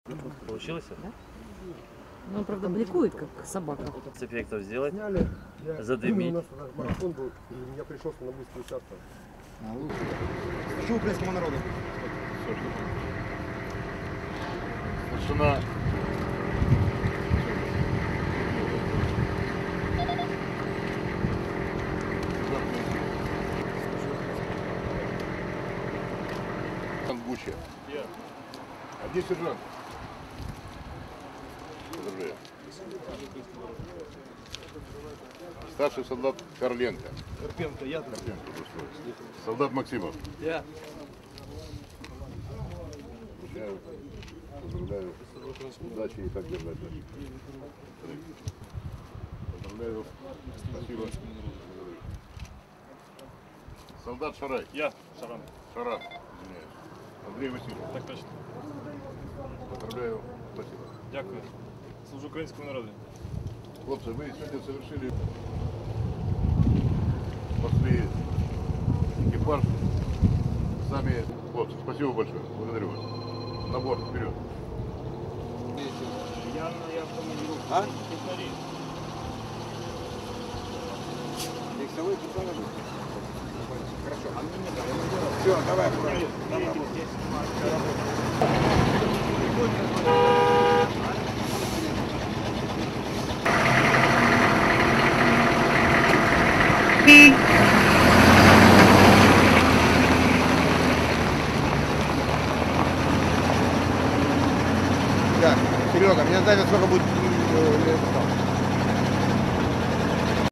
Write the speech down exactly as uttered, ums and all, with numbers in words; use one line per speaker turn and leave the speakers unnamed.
Получилось?
Да? Ну, он, правда, бликует, как собака.
С эффектов сделать.
Сняли. Я,
Задымить.
У нас марафон был, и я пришел на быструю участок.
А, лучше. Служу украинскому народу.
Старшина. Гуччи. А где сержант? Поздравляю. Старший солдат Карленко.
Карпенко, я там.
Карпенко, солдат Максимов.
Я.
Поздравляю. Поздравляю. Удачи и так держать. Поздравляю. Спасибо. Солдат Шарай.
Я, Шаран.
Шаран. Извиняюсь. Андрей Васильевич.
Так точно.
Поздравляю. Спасибо.
Дякую. Служу українському народу.
Хлопцы, вы сегодня совершили, спасли экипаж. Сами, хлопцы, спасибо большое. Благодарю вас. На борт, вперед.
Я на автомобиле.
А?
Технари.
Лексовой пацаны. Хорошо.
А мне не дали.
Все, давай, аккуратно.
Давай, я снимаю, работаю.
Так, Серега, меня знает, сколько будет